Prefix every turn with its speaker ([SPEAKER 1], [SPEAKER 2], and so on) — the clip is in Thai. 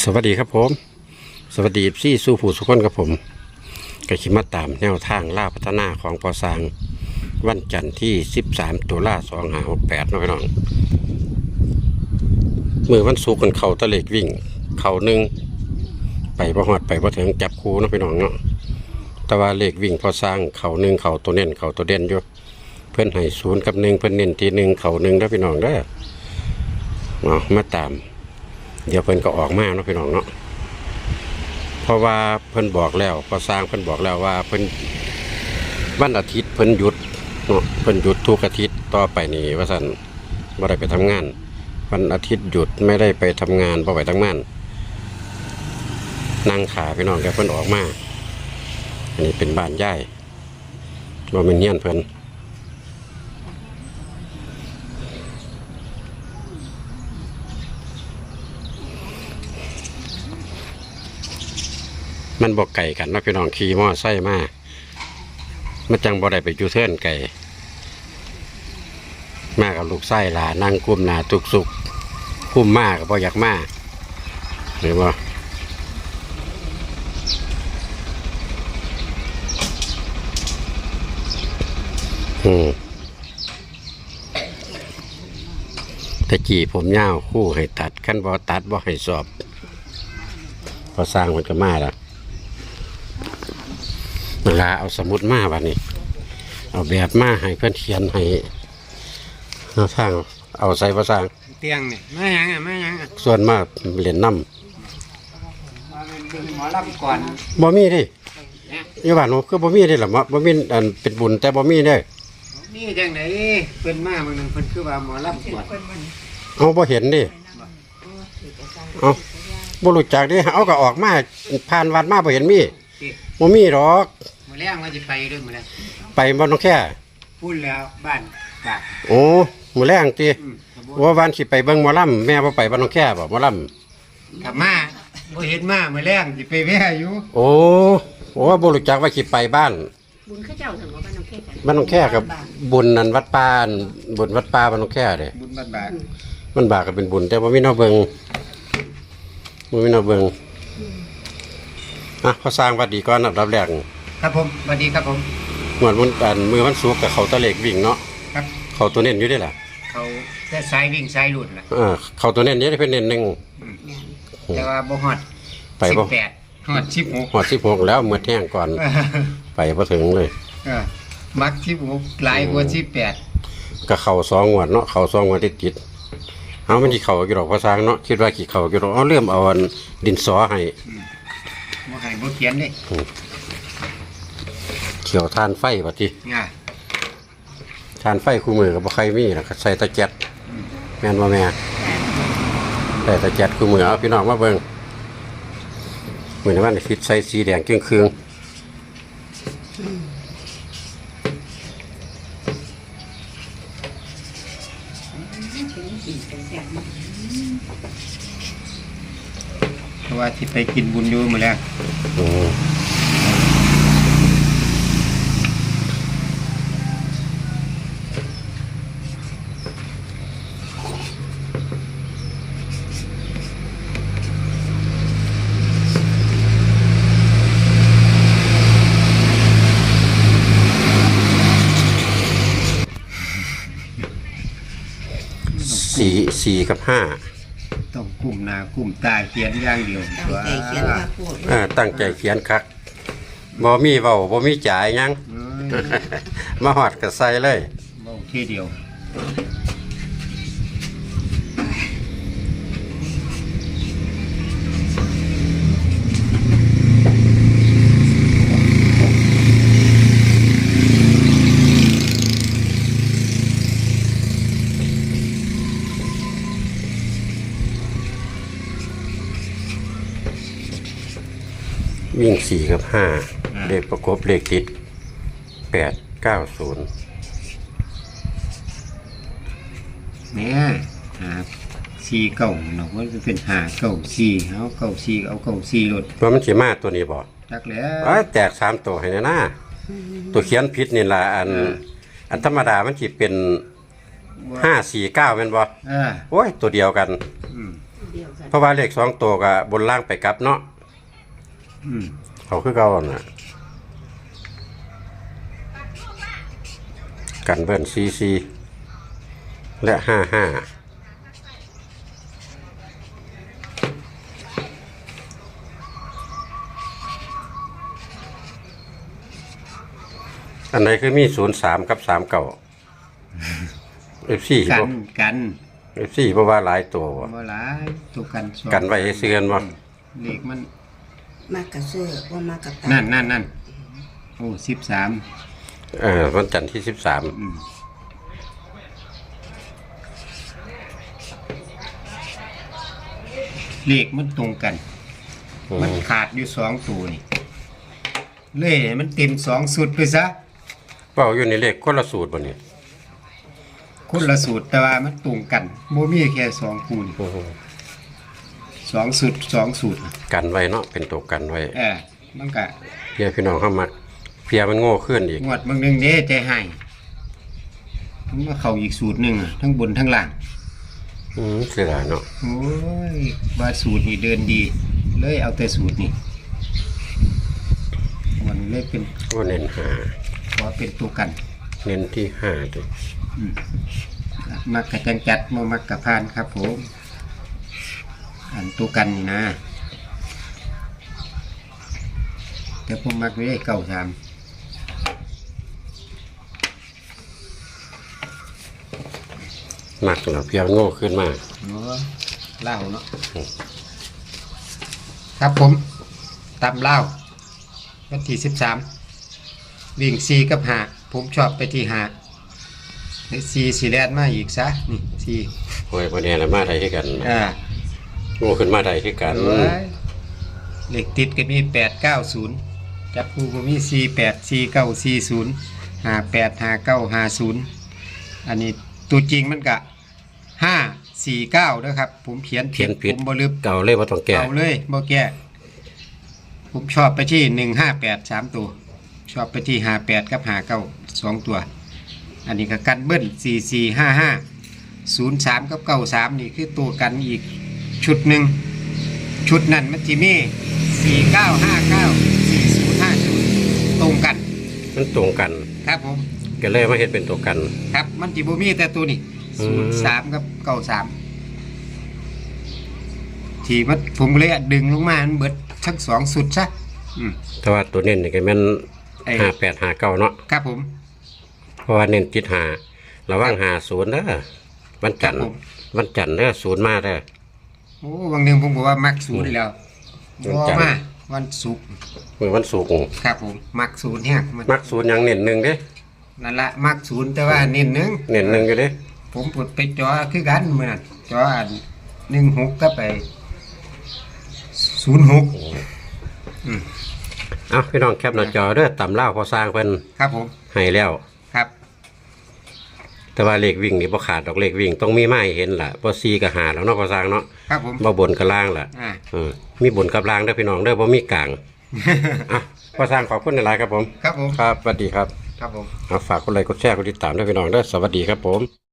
[SPEAKER 1] สวัสดีครับผมสวัสดีซี่สู้ผู้สุขคนครับผมก็คิดมาตามแนวทางล่าพัฒนาของปอสร้างวันจันทร์ที่13ตุลา2568น้องพี่น้องมือวันศุกร์กันเขาตะเล็กวิ่งเขาหนึ่งไปบ่ฮอดไปบ่ถึงจับคู่น้องพี่น้องเนาะแต่ว่าเลขวิ่งพอสร้างเขาหนึ่งเขาตัวเน้นเขาตัวเด่นอยู่เพื่อนให้0 กับ 1เพื่อนเน้นที่1เขา1แล้วพี่น้องเด้อมาตามเดี๋ยวเพิ่นก็ออกมาเนาะพี่น้องเนาะเพราะว่าเพิ่นบอกแล้วพอสร้างเพิ่นบอกแล้วว่าเพิ่นวันอาทิตย์เพิ่นหยุดเนาะเพิ่นหยุดทุกอาทิตย์ต่อไปนี่ว่าซั่นบ่ได้ไปทำงานวันอาทิตย์หยุดไม่ได้ไปทำงานบ่ไปทำงานนั่งขาพี่น้องแกเพิ่นออกมาอันนี้เป็นบ้านย่ายบ่แม่นเฮียนเพิ่นมันบอกไก่กันนะพี่น้องขี่มอไซค์มามันจังบ่ได้ไปจูเทิร์นไก่มากับลูกไส้หลานั่งกุ้มหนาตุกสุกกุ้มมากกับบ่อยากมาหรือว่าตะกี้ผมยาวคู่ให้ตัดขั้นบ่ตัดบ่ให้สอบพอสร้างมันก็มาแล้วเวลาเอาสมุดมาวันนี้เอาแบบมาให้เพื่อนเขียนให้เอาทางเอาใส่ภาษา
[SPEAKER 2] เตียงเนี่ยแม่ยังอ่ะแม่ยังอ่ะ
[SPEAKER 1] ส่วนมากเหรียญน้ำ
[SPEAKER 2] หมอลำก่อน
[SPEAKER 1] บ่มีดิอยู่บ้านผมคือบ่มีดิหรอบ่มีอันเป็นบุญแต่บ่มีเด้
[SPEAKER 2] นี่จังไหนเพิ่นมาเมืองเพิ่นคือว่าหมอลำก่อน
[SPEAKER 1] เอาบ่เห็นดิเอาบ่รู้จักดิเอาก็ออกมาผ่านวัดมาบ่เห็นมีบ่มีหรอก
[SPEAKER 2] มื้อแรงว่าสิไปด้วยมื้อแรง
[SPEAKER 1] ไปบ่ต้องแค่
[SPEAKER 2] พูดแล้วบ้านบาก
[SPEAKER 1] โอ้มื้อแรงติว่าวันสิไปเบิ่งหมอลำแม่บ่ไปบ่ต้องแค่บ่หมอล
[SPEAKER 2] ำกลับมาบ่เห็นมามื้อแรงสิไปแว่อยู่
[SPEAKER 1] โอ้บ่รู้จักว่าสิไปบ้าน
[SPEAKER 3] บุญข้าเจ้าถึงว่าบ้านน้องแค่
[SPEAKER 1] บ้านน้องแค่กับบุญนั่นวัดป่าบุญวัดป่าบ้านน้องแค่เด้
[SPEAKER 2] บุญบ้านบาก
[SPEAKER 1] มันบากก็เป็นบุญแต่บ่มีแนวเบิ่งบ่มีแนวเบิ่งพอสร้างวัดดีก่อนอันดับแรก
[SPEAKER 2] ครับผมสวัสดีครับผม
[SPEAKER 1] เหมือนมือวันศุกร์กับเขาตะเล็กวิ่งเนาะ
[SPEAKER 2] ครับ
[SPEAKER 1] เขาตัวเน้นอยู่ได้ล่ะ
[SPEAKER 2] เขาแต่สายวิ่งสายหลุดล่ะ
[SPEAKER 1] เขาตัวเน้นเยอะได้เป็นเน้น1
[SPEAKER 2] แต่ว่าบ่ฮอด
[SPEAKER 1] ไปบ่
[SPEAKER 2] 18ฮอด16
[SPEAKER 1] ฮอด16แล้วมื้อแท่งก่อนไปบ่ถึงเลย
[SPEAKER 2] มัก16หลายกว่า18
[SPEAKER 1] ก็เข้า2งวดเนาะเข้า2งวดติดเอามันสิเข้าอยู่ดอกพอสร้างเนาะคิดว่าสิเข้าอยู่ดอกเอาเริ่มเอาดินสอให้
[SPEAKER 2] บ่ให้บ่เขียนเด้
[SPEAKER 1] เขียวทานไฟบัดนี้ทานไฟคู่มือก็บ่ใครมีล่ะใส่ตะแก๊สแม่นบ่แม่ใส่ตะแก๊สคู่มือเอาพี่น้องมาเบิ่งมื้อนี้มันคิดใส่สีแดงเครื่อง
[SPEAKER 2] เพราะว่าที่ไปกินบุญอยู่มื้อแรก
[SPEAKER 1] 4 กับ 5
[SPEAKER 2] ต้องกุมหน้ากุมตาเขียนอย่างเดียว
[SPEAKER 1] ตั้งใจเขียนคักบ่มีเว้าบ่มีจ่ายหยังมาฮอดก็ใส่เลย
[SPEAKER 2] เว้าทีเดียว
[SPEAKER 1] วิ่ง4 กับ 5เลขประกบเลขติด8 9 0
[SPEAKER 2] เนี่ย4 9เนาะมันเป็น5 9 4เอา9 4เอา9 4ลด
[SPEAKER 1] ว่ามันสิมาตัวนี้บ่
[SPEAKER 2] จักแล้ว
[SPEAKER 1] แตก3ตัวให้แน่นะตัวเขียนผิดนี่ล่ะอันธรรมดามันสิเป็น5 4 9แม่นบ่โอ้ยตัวเดียวกัน
[SPEAKER 3] เดียวกัน
[SPEAKER 1] เพราะว่าเลข2ตัวก็บนล่างไปกลับเนาะ
[SPEAKER 2] อืม
[SPEAKER 1] เขาคือเก่าน่ะกันเบิ้ล44และ55อันไหนคือมี03กับ39 FC
[SPEAKER 2] กั
[SPEAKER 1] บ่
[SPEAKER 2] นกัน
[SPEAKER 1] FC บ่ว่าหลายตัวบ่
[SPEAKER 2] บ่หลายตัวกันสอง
[SPEAKER 1] กันไว้ให้ซื้อกันบ่
[SPEAKER 2] เลขมัน
[SPEAKER 4] มากกับเสื้อว่ามากกับตา
[SPEAKER 2] นั่นโอ้13
[SPEAKER 1] วันจันทร์ที่13
[SPEAKER 2] อืมเลขมันตรงกัน มันขาดอยู่2ตัวนี่เลยให้มันเต็ม2สุดไปซะ
[SPEAKER 1] เว้าอยู่ในเลขคนละสูตรบ่นี่
[SPEAKER 2] คนละสูตรแต่ว่ามันตรงกันบ่มีแค่2คู่นี่2สุด2สูตร
[SPEAKER 1] กันไว้เนาะเป็นตัวกันไว้
[SPEAKER 2] มันก็
[SPEAKER 1] เพียพี่น้องเข้ามักเพียมันโง่ขึ้นอีก
[SPEAKER 2] งวดบางนึงเด้ใจให้มันมาเข้าอีกสูตรหนึงอะทั้งบนทั้งล่าง
[SPEAKER 1] เสียดายเนาะ
[SPEAKER 2] โอ้ยว่าสูตรนี่เดินดี เลยเอาแต่สูตรนี่มันเลยเป็น
[SPEAKER 1] ว่าเน้นหา
[SPEAKER 2] ขอเป็นตัวกัน
[SPEAKER 1] เน้นที่5ด้วย
[SPEAKER 2] มักกะจังจัดบ่มักกะพานครับผมอันตัวกันนี่นะแต่ผมมักไม่ได้เก่าท
[SPEAKER 1] มักแล้วเพียมันโง่ขึ้นมา
[SPEAKER 2] ำเล่าเนาะครับผมตำเล่าวันที่13วิ่ง4กับ5ผมชอบไปที่54สีแลนมาอีกซะนี่4
[SPEAKER 1] โอ้ยบ่แน่ละมาได้คือกัน โง่ขึ้นมาได้คือกัน
[SPEAKER 2] เลขติดก็มี890จับคู่ก็มี484940 585950อันนี้ตัวจริงมันก็549นะครับผมเขียน
[SPEAKER 1] เขียนผิด
[SPEAKER 2] ผมบ่ลืม
[SPEAKER 1] เก่าเลยบ่ต้องแก้
[SPEAKER 2] เอาเลยบ่แก้ผมชอบไปที่158 3ตัวชอบไปที่58กับ59 2ตัวอันนี้ก็กันเบิ้ล4455 03กับ93นี่คือตัวกันอีกชุดหนึ่งชุดนั้นมันจะมี4959 4050ตรงกัน
[SPEAKER 1] มันตรงกัน
[SPEAKER 2] ครับผม
[SPEAKER 1] ก็เลยมาเฮ็ดเป็นตัวกัน
[SPEAKER 2] ครับมันจิบ่มีแต่ตัวนี้
[SPEAKER 1] อืม
[SPEAKER 2] 03กับ93ที่มันผมเลยดึงลงมามันเบิดทั้งสองสุดซะอืม
[SPEAKER 1] แต่ว่าตัวเน้นนี่ก็แม่น
[SPEAKER 2] ไอ้
[SPEAKER 1] 5859เนาะ
[SPEAKER 2] ครับผม
[SPEAKER 1] เพราะว่าเน้นติด5ระวัง50เด้อวันจันทร์
[SPEAKER 2] ครับผม
[SPEAKER 1] วันจันทร์เด้อ0มาเด้อ
[SPEAKER 2] โอ้บางหนึงผมบอกว่ามักศูนย์แล้ว
[SPEAKER 1] วัน
[SPEAKER 2] รอ
[SPEAKER 1] จันทร์
[SPEAKER 2] มาวันศุกร์
[SPEAKER 1] มื้อวันศุกร์
[SPEAKER 2] ครับผมมักศูนย์แฮกมัน
[SPEAKER 1] มัก0อย่างเน้น1เด้
[SPEAKER 2] นั่นละมักศูนย์แต่ว่าเน้นหนึง
[SPEAKER 1] เน้น1อยู่เด้
[SPEAKER 2] ผมปลดไปจอคือกันมื้อนั้นจออัน16ก็ไป06
[SPEAKER 1] เอาพี่น้องแคปหน้าจอเด้อตำเล่าวพอสร้างเพิ่น
[SPEAKER 2] ครับผม
[SPEAKER 1] ให้แล้ว
[SPEAKER 2] ครับ
[SPEAKER 1] แต่ว่าเลขวิ่งนี่บ่ขาดดอกเลขวิ่งต้องมีไม้เห็นล่ะบ่ซีก็หาแล้วเนาะพอสร้างเนาะ
[SPEAKER 2] ครับผม
[SPEAKER 1] บ่บนกับล่างล่ะ
[SPEAKER 2] อ่า
[SPEAKER 1] มีบนกับล่างเด้อพี่น้องเด้อบ่มีกลางอ่ะพอสร้างขอบคุณหลายๆครับผม
[SPEAKER 2] ครับผม
[SPEAKER 1] ครับสวัสดีครับ
[SPEAKER 2] ครับผม
[SPEAKER 1] เอาฝากกดไลค์กดแชร์กดติดตามด้วยพี่น้องเด้อสวัสดีครับผม